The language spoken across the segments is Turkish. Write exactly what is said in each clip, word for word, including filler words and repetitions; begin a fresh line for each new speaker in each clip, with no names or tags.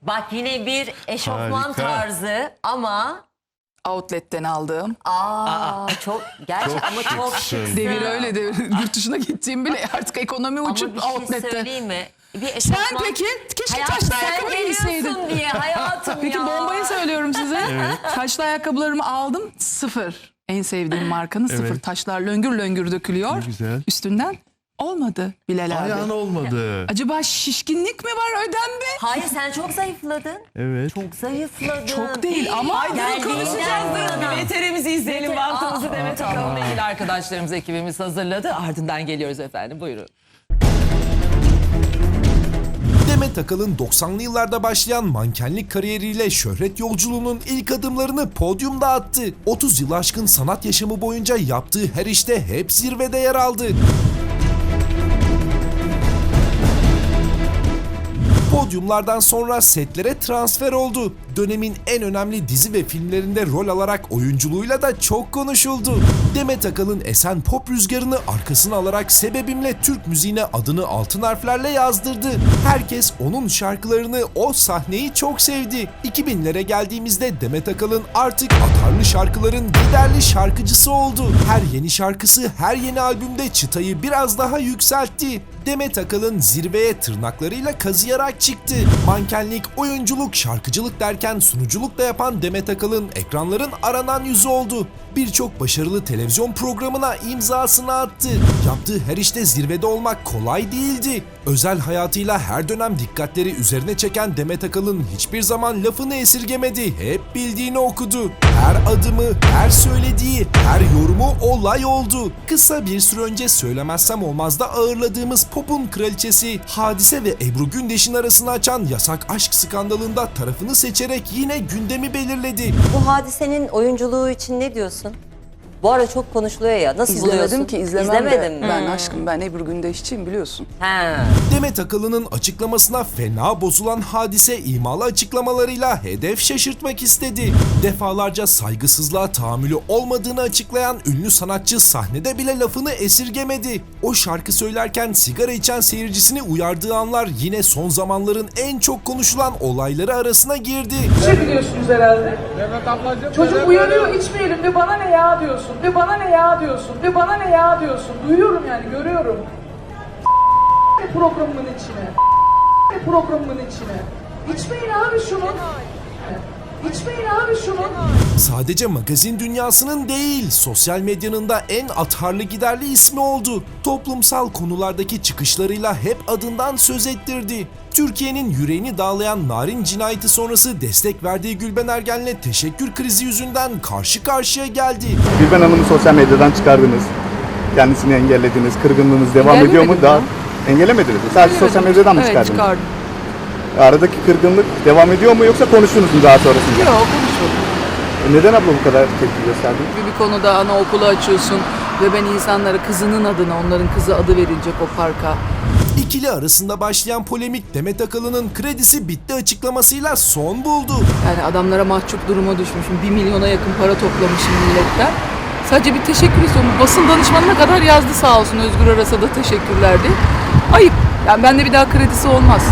Bak yine bir eşofman
Harika.
tarzı ama
Outlet'ten aldığım.
aa, çok gerçekten
Çok
ama çok
şıksın.
şıksın.
Devir öyle devir. Yurt dışına gittiğim bile artık ekonomi
Ama
uçup
bir şey
outlet'te.
söyleyeyim mi? Bir
Sen
eşofman...
peki keşke
Hayatım
taşlı
sen
ayakkabı giyseydin.
geliyorsun diye hayatım
Peki
ya.
bombayı söylüyorum size. Taşlı ayakkabılarımı aldım. Sıfır. En sevdiğim markanın sıfır.
Evet.
Taşlar löngür löngür dökülüyor.
Ne güzel.
Üstünden olmadı Bilal abi.
Ayağın olmadı.
Acaba şişkinlik mi var ödemde?
Hayır sen çok zayıfladın.
Evet.
Çok zayıfladın.
Çok değil ama
Ay,
Konuşacağız da veterimizi izleyelim.
Veter-
Baktığımızı
Aa,
Demet Akalın'la ilgili arkadaşlarımız, ekibimiz hazırladı. Ardından geliyoruz efendim. Buyurun.
Demet Akalın doksanlı yıllarda başlayan mankenlik kariyeriyle şöhret yolculuğunun ilk adımlarını podyumda attı. otuz yıl aşkın sanat yaşamı boyunca yaptığı her işte hep zirvede yer aldı. Podyumlardan sonra setlere transfer oldu. Dönemin en önemli dizi ve filmlerinde rol alarak oyunculuğuyla da çok konuşuldu. Demet Akalın esen pop rüzgarını arkasına alarak Sebebimle Türk müziğine adını altın harflerle yazdırdı. Herkes onun şarkılarını, o sahneyi çok sevdi. iki binlere geldiğimizde Demet Akalın artık atarlı şarkıların giderli şarkıcısı oldu. Her yeni şarkısı, her yeni albümde çıtayı biraz daha yükseltti. Demet Akalın zirveye tırnaklarıyla kazıyarak çıktı. Mankenlik, oyunculuk, şarkıcılık derken sunuculuk da yapan Demet Akalın ekranların aranan yüzü oldu. Birçok başarılı televizyon programına imzasını attı. Yaptığı her işte zirvede olmak kolay değildi. Özel hayatıyla her dönem dikkatleri üzerine çeken Demet Akalın hiçbir zaman lafını esirgemedi. Hep bildiğini okudu. Her adımı, her söylediği, her yorumu olay oldu. Kısa bir süre önce Söylemezsem Olmaz'da ağırladığımız popun kraliçesi Hadise ve Ebru Gündeş'in arasını açan yasak aşk skandalında tarafını seçerek yine gündemi belirledi.
Bu Hadise'nin oyunculuğu için ne diyorsun? Bu ara çok konuşuluyor ya. Nasıl buluyorsun?
İzlemedim ki izlemem
İzlemedin
de.
mi?
Ben aşkım ben Ebru Gündeşçiyim biliyorsun.
He.
Demet Akalın'ın açıklamasına fena bozulan Hadise imalı açıklamalarıyla hedef şaşırtmak istedi. Defalarca saygısızlığa tahammülü olmadığını açıklayan ünlü sanatçı sahnede bile lafını esirgemedi. O şarkı söylerken sigara içen seyircisini uyardığı anlar yine son zamanların en çok konuşulan olayları arasına girdi.
Bir şey biliyorsunuz herhalde. Çocuk uyanıyor içmeyelim de bana ne ya diyorsun. De bana ne ya diyorsun. De bana ne ya diyorsun. Duyuyorum yani görüyorum. Programımın içine. Programımın içine. İçmeyin abi şunu. İçmeyin abi şunu.
Sadece magazin dünyasının değil, sosyal medyanın da en atarlı giderli ismi oldu. Toplumsal konulardaki çıkışlarıyla hep adından söz ettirdi. Türkiye'nin yüreğini dağlayan Narin cinayeti sonrası destek verdiği Gülben Ergen'le teşekkür krizi yüzünden karşı karşıya geldi.
Gülben Hanım'ı sosyal medyadan çıkardınız. Kendisini engellediniz. Kırgınlığınız devam ediyor mu?
Engellemedim
Daha
ya.
engelemediniz mi? Sadece sosyal medyadan mı
Evet
çıkardınız?
çıkardım.
Aradaki kırgınlık devam ediyor mu yoksa konuştunuz mu daha sonrasında?
Yok konuşmadım.
E Neden abla bu kadar tepki gösterdin?
Bir konuda anaokulu açıyorsun ve ben insanlara kızının adına onların kızı adı verilecek o parka.
İkili arasında başlayan polemik Demet Akalın'ın kredisi bitti açıklamasıyla son buldu.
Yani adamlara mahcup duruma düşmüşüm. Bir milyona yakın para toplamışım milletten. Sadece bir teşekkür istiyorum. Basın danışmanına kadar yazdı sağ olsun. Özgür Aras'a da teşekkürlerdi. Ayıp. Yani bende bir daha kredisi olmaz.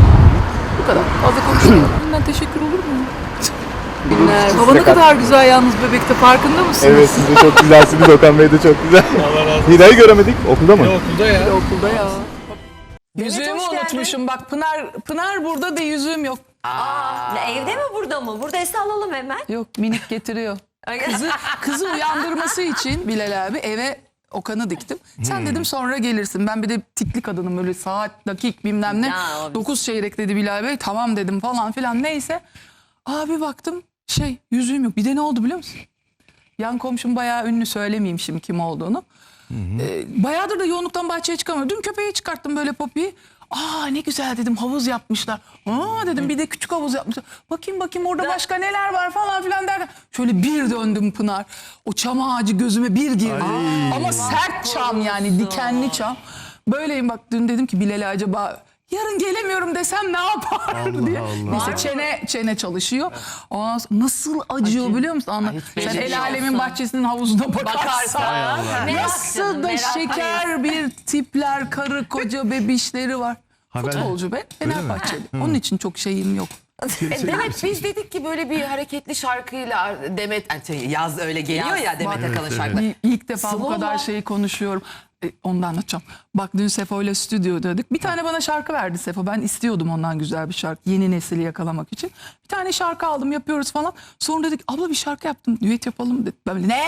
Bu kadar. Fazla konuşmuyorum. Bundan teşekkür olur mu? Günler. Hava ne kadar güzel yalnız Bebek'te farkında mısınız?
Evet siz de çok güzelsiniz. Okan Bey de çok güzel. Allah razı olsun. Hira'yı göremedik. Okulda mı?
Bir de okulda ya. Yüzüğümü
hoş geldin.
unutmuşum. Bak Pınar Pınar burada da yüzüğüm yok.
Aa, evde mi burada mı? Buradaysa alalım hemen.
Yok minik getiriyor. Kızı kızı uyandırması için Bilal abi eve Okan'ı diktim. Sen dedim sonra gelirsin. Ben bir de tikli kadınım öyle saat, dakik bilmem ne.
Ya, o-
Dokuz çeyrek dedi Bilal Bey. Tamam dedim falan filan neyse. Abi baktım şey yüzüğüm yok. Bir de ne oldu biliyor musun? Yan komşum bayağı ünlü söylemeyeyim şimdi kim olduğunu. Ee, bayağıdır da yoğunluktan bahçeye çıkamıyorum. Dün köpeği çıkarttım böyle Poppy'yi. Aa ne güzel dedim havuz yapmışlar. Aa dedim bir de küçük havuz yapmışlar. Bakayım bakayım orada başka neler var falan filan derken. Şöyle bir döndüm Pınar. O çam ağacı gözüme bir girdi. Ama sert çam yani dikenli çam. Böyleyim bak dün dedim ki Bilal'e acaba yarın gelemiyorum desem ne yapar
Allah
diye.
Allah.
Neyse çene çene çalışıyor. Ondan sonra nasıl acıyor
Acı.
biliyor musun? Anla.
hiç
Sen
belli
el alemin
olsun.
bahçesinin havuzuna bakarsan.
Bakarsan. Merak
Nasıl
canım,
da
merak.
şeker bir tipler, karı koca bebişleri var.
Ha, ben-
Futbolcu be, Fenerbahçeli. Onun için çok şeyim yok.
E, Demet biz dedik ki böyle bir hareketli şarkıyla Demet yani şey, yaz öyle geliyor ya Demet
Bak,
Akalın
evet,
şarkıları.
İ- İlk defa bu
Slow
kadar
mu?
şeyi konuşuyorum. E, onu da anlatacağım. Bak dün Sefo ile stüdyodaydık. Bir tane bana şarkı verdi Sefo. Ben istiyordum ondan güzel bir şarkı. Yeni nesili yakalamak için. Bir tane şarkı aldım, yapıyoruz falan. Sonra dedik abla bir şarkı yaptım. Düet yapalım dedi. Ben böyle, ne?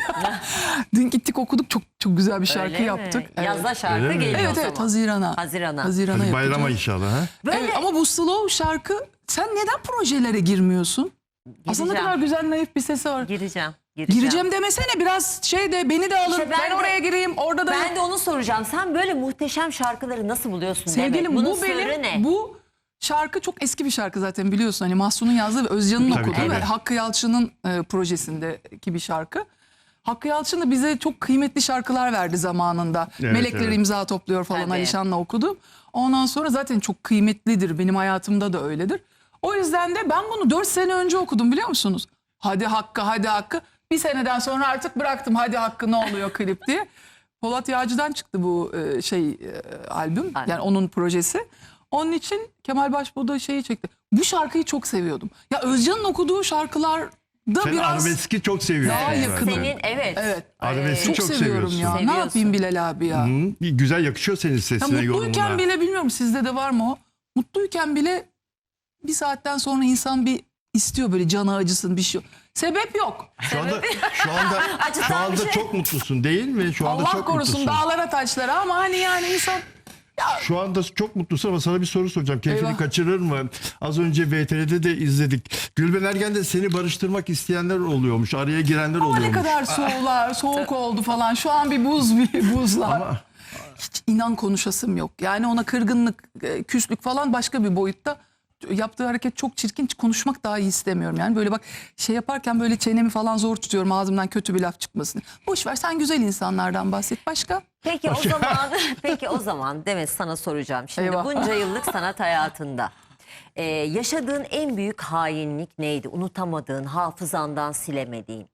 Dün gittik okuduk. Çok çok güzel bir şarkı
Öyle mi?
yaptık. Evet.
Yazda şarkı
Öyle mi?
geliyor
Evet
o
evet
zaman.
Hazirana.
Hazirana.
Hazirana
Hadi bayrama
yapacağız.
inşallah ha.
Böyle
Evet, ama bu slow şarkı sen neden projelere girmiyorsun? Aslında ne
Gireceğim.
kadar güzel naif bir sesi var.
gireceğim. Gireceğim.
Gireceğim demesene biraz şey de beni de alın.
İşte
ben
ben de-
oraya gireyim orada da.
Ben de onu soracağım. Sen böyle muhteşem şarkıları nasıl buluyorsun
Sevgilim
Demet? Bunun
bu
sırrı
benim
ne?
bu şarkı çok eski bir şarkı zaten biliyorsun. Hani Mahsun'un yazdığı ve Özcan'ın
Tabii,
okuduğu
tabii.
ve Hakkı Yalçın'ın e, projesindeki bir şarkı. Hakkı Yalçın da bize çok kıymetli şarkılar verdi zamanında.
Evet,
Melekler
evet.
imza topluyor falan
Tabii.
Alişan'la okudum. Ondan sonra zaten çok kıymetlidir. Benim hayatımda da öyledir. O yüzden de ben bunu dört sene önce okudum biliyor musunuz? Hadi Hakkı hadi Hakkı. Bir seneden sonra artık bıraktım hadi Hakkı ne oluyor klip diye. Polat Yağcı'dan çıktı bu e, şey e, albüm.
Albüm.
Yani onun projesi. Onun için Kemal Başbuğ da şeyi çekti. Bu şarkıyı çok seviyordum. Ya Özcan'ın okuduğu şarkılarda
Sen
biraz
arabeski çok seviyorsun.
daha
zaten.
yakınım.
Senin evet.
Evet.
Arabeski
Çok,
çok
seviyorum
seviyorsun.
ya. Ne
Seviyorsun.
yapayım Bilal abi ya?
Hı, güzel yakışıyor senin
Ya
sesine,
mutluyken
yorumuna.
bile bilmiyorum sizde de var mı o? Mutluyken bile bir saatten sonra insan bir istiyor böyle canı acısın bir şey. Sebep yok.
Şu anda şu anda
Acıtan
şu anda
bir şey.
çok mutlusun değil mi? Şu anda
Allah
çok
korusun
mutlusun.
dağlara taşlara ama hani yani insan
Şu anda çok mutlusun ama sana bir soru soracağım. Keyfini
Eyvah.
kaçırır mı? Az önce V T R'de de izledik. Gülben Ergen'de seni barıştırmak isteyenler oluyormuş. Araya girenler
ama ne
oluyormuş.
kadar soğular, soğuk oldu falan. Şu an bir buz bir buzlar.
Ama
Hiç inan konuşasım yok. Yani ona kırgınlık, e, küslük falan başka bir boyutta. Yaptığı hareket çok çirkin. Hiç konuşmak daha iyi istemiyorum. Yani böyle bak şey yaparken böyle çenemi falan zor tutuyorum ağzımdan kötü bir laf çıkmasın. Boş ver sen güzel insanlardan bahset. Başka?
Peki o zaman peki o zaman Demet sana soracağım. Şimdi
Eyvah.
bunca yıllık sanat hayatında e, yaşadığın en büyük hainlik neydi? Unutamadığın, hafızandan silemediğin.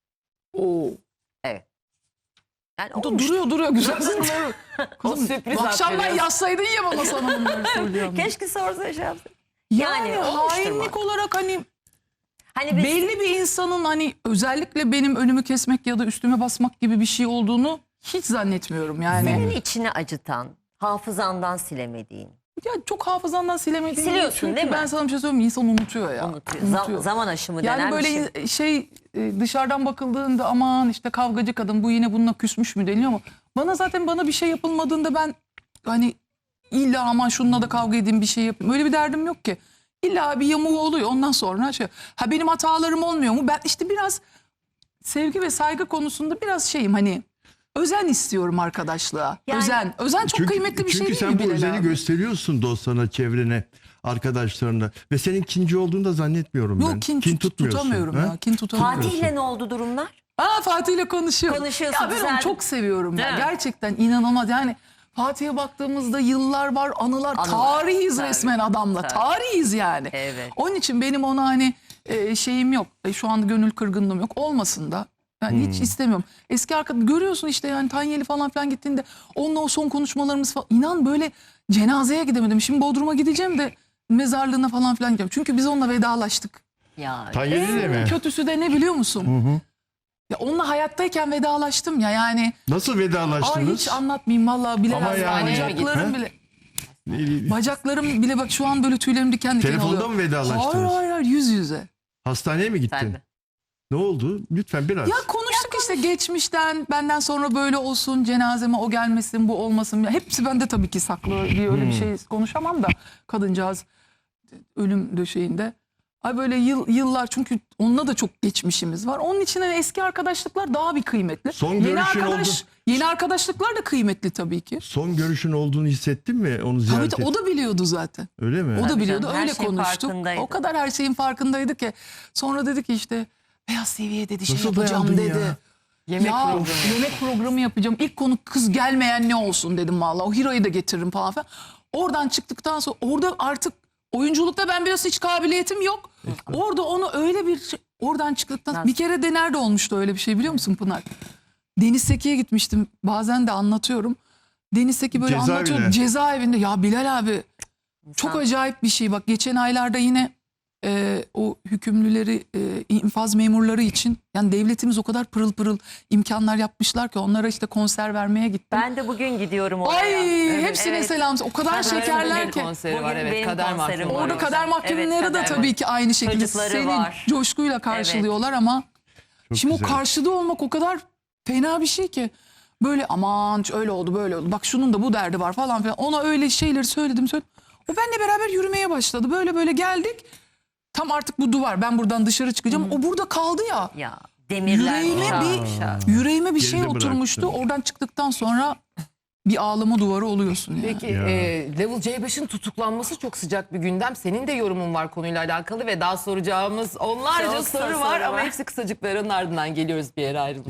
Oo.
Evet. Yani
O da
olmuş.
duruyor duruyor güzel sorular. Kızım
sürpriz
bu akşam ben
veriyorsun.
yazsaydın ya bana sana bunları söylüyorum.
Keşke sorsa şey yapsın.
Yani,
Yani olmuştur
hainlik
mu?
olarak hani
Hani biz,
belli bir insanın hani özellikle benim önümü kesmek ya da üstüme basmak gibi bir şey olduğunu hiç zannetmiyorum yani.
senin içini acıtan, hafızandan silemediğin.
Ya çok hafızandan silemediğim
Siliyorsun,
çünkü
değil mi?
ben sana bir şey söyleyeyim mi? İnsan unutuyor ya.
Unutuyor. Zam- zaman aşımı
Yani
denen
böyle
bir şey.
in- şey e, dışarıdan bakıldığında aman işte kavgacı kadın bu yine bununla küsmüş mü deniyor ama bana zaten bana bir şey yapılmadığında ben hani illa aman şununla da kavga edeyim bir şey yapayım. Öyle bir derdim yok ki. İlla bir yamuğu oluyor ondan sonra şey. Ha benim hatalarım olmuyor mu? Ben işte biraz sevgi ve saygı konusunda biraz şeyim hani özen istiyorum arkadaşlığa.
Yani-
özen. Özen çok
çünkü,
kıymetli bir
çünkü
şey
sen
değil mi
bu
Bilal
özeni
abi?
gösteriyorsun dostlarına, çevrene, arkadaşlarına ve senin kinci olduğunu da zannetmiyorum ben.
Yok kin, tut-
tutmuyorsun.
tutamıyorum
ha?
ya. Kin tutamıyorum.
Fatih'le ne oldu durumlar?
Aa Fatih'le konuşuyor.
Konuşuyorsun,
Ya ben
güzel.
onu çok seviyorum ya.
Değil mi?
Gerçekten inanılmaz. Yani Fatih'e baktığımızda yıllar var, anılar,
Anılar.
tarihiz
Tabii.
resmen adamla.
Tabii.
Tarihiz yani.
Evet.
Onun için benim ona hani e, şeyim yok. E, şu anda gönül kırgınlığım yok. Olmasın da. Ben
Hmm.
hiç istemiyorum. Eski arkadaş görüyorsun işte yani Tanyeli falan filan gittiğinde onunla o son konuşmalarımız falan. İnan böyle cenazeye gidemedim. Şimdi Bodrum'a gideceğim de mezarlığına falan filan gideceğim. Çünkü biz onunla vedalaştık.
Ya
Tanyeli de mi?
Kötüsü de ne biliyor musun? Ya onunla hayattayken vedalaştım ya yani.
Nasıl
Ay
vedalaştınız?
hiç anlatmayayım vallahi bile.
Ama yani-
Bacaklarım
Ha?
bile.
Ee,
Bacaklarım bile bak şu an böyle tüylerim diken diken
Telefonda
oluyor.
mı vedalaştınız?
Hayır hayır hayır yüz yüze.
Hastaneye mi gittin?
Tabii.
Ne oldu? Lütfen biraz.
Ya konuştuk işte geçmişten benden sonra böyle olsun cenazeme o gelmesin bu olmasın. Ya hepsi bende tabii ki saklı diye öyle bir şey konuşamam da kadıncağız ölüm döşeğinde. Ay böyle yıl, yıllar çünkü onunla da çok geçmişimiz var. Onun için hani eski arkadaşlıklar daha bir kıymetli.
Son
yeni
görüşün
arkadaş,
oldu.
Yeni arkadaşlıklar da kıymetli tabii ki.
Son görüşün olduğunu hissettin mi? Onu
Tabii
ziyaret
de, o da biliyordu zaten.
Öyle mi?
O da
Tabii
biliyordu
canım, her
öyle
şeyin
konuştuk.
farkındaydı.
O kadar her şeyin farkındaydı ki. Sonra dedi ki işte Beyaz T V'ye dedi şey
Nasıl
yapacağım
dayandın
dedi.
ya?
Yemek
ya,
programı.
Yemek programı yapacağım. İlk konu kız gelmeyen ne olsun dedim valla. O Hiro'yu da getiririm falan filan. Oradan çıktıktan sonra orada artık oyunculukta ben biraz hiç kabiliyetim yok. Orada onu öyle bir şey- oradan çıktıktan
Nasıl?
bir kere de nerede olmuştu öyle bir şey biliyor musun Pınar? Deniz Seki'ye gitmiştim. Bazen de anlatıyorum. Deniz Seki böyle
Cezaevine.
anlatıyor. Cezaevinde ya Bilal abi çok
İnsan-
acayip bir şey. Bak geçen aylarda yine e, o hükümlüleri, e, infaz memurları için yani devletimiz o kadar pırıl pırıl imkanlar yapmışlar ki onlara işte konser vermeye gittim.
Ben de bugün gidiyorum oraya.
Ay hepsine
evet.
selam. O kadar
Kader
şekerler
bugün
ki.
konseri var
Bugün
evet.
benim
Kader
konserim
mahkumu
var.
Orada
Evet,
kader mahkumları
kader
da tabii ki aynı şekilde
Çocukları
senin
var.
coşkuyla karşılıyorlar ama
Çok
şimdi
güzel.
o karşıda olmak o kadar fena bir şey ki. Böyle aman öyle oldu böyle oldu. Bak şunun da bu derdi var falan filan. Ona öyle şeyleri söyledim söyledim. O benimle beraber yürümeye başladı. Böyle böyle geldik. Tam artık bu duvar. Ben buradan dışarı çıkacağım. O burada kaldı ya.
Ya demirler
Yüreğime
şak
bir
şak.
yüreğime bir
Geride
şey
bıraktı.
oturmuştu. Oradan çıktıktan sonra bir ağlama duvarı oluyorsun yani.
Peki e, Level C beşin tutuklanması çok sıcak bir gündem. Senin de yorumun var konuyla alakalı ve daha soracağımız onlarca
Çok
soru
soru
var
var.
ama hepsi kısacıkların ardından geliyoruz bir yere ayrılmayın.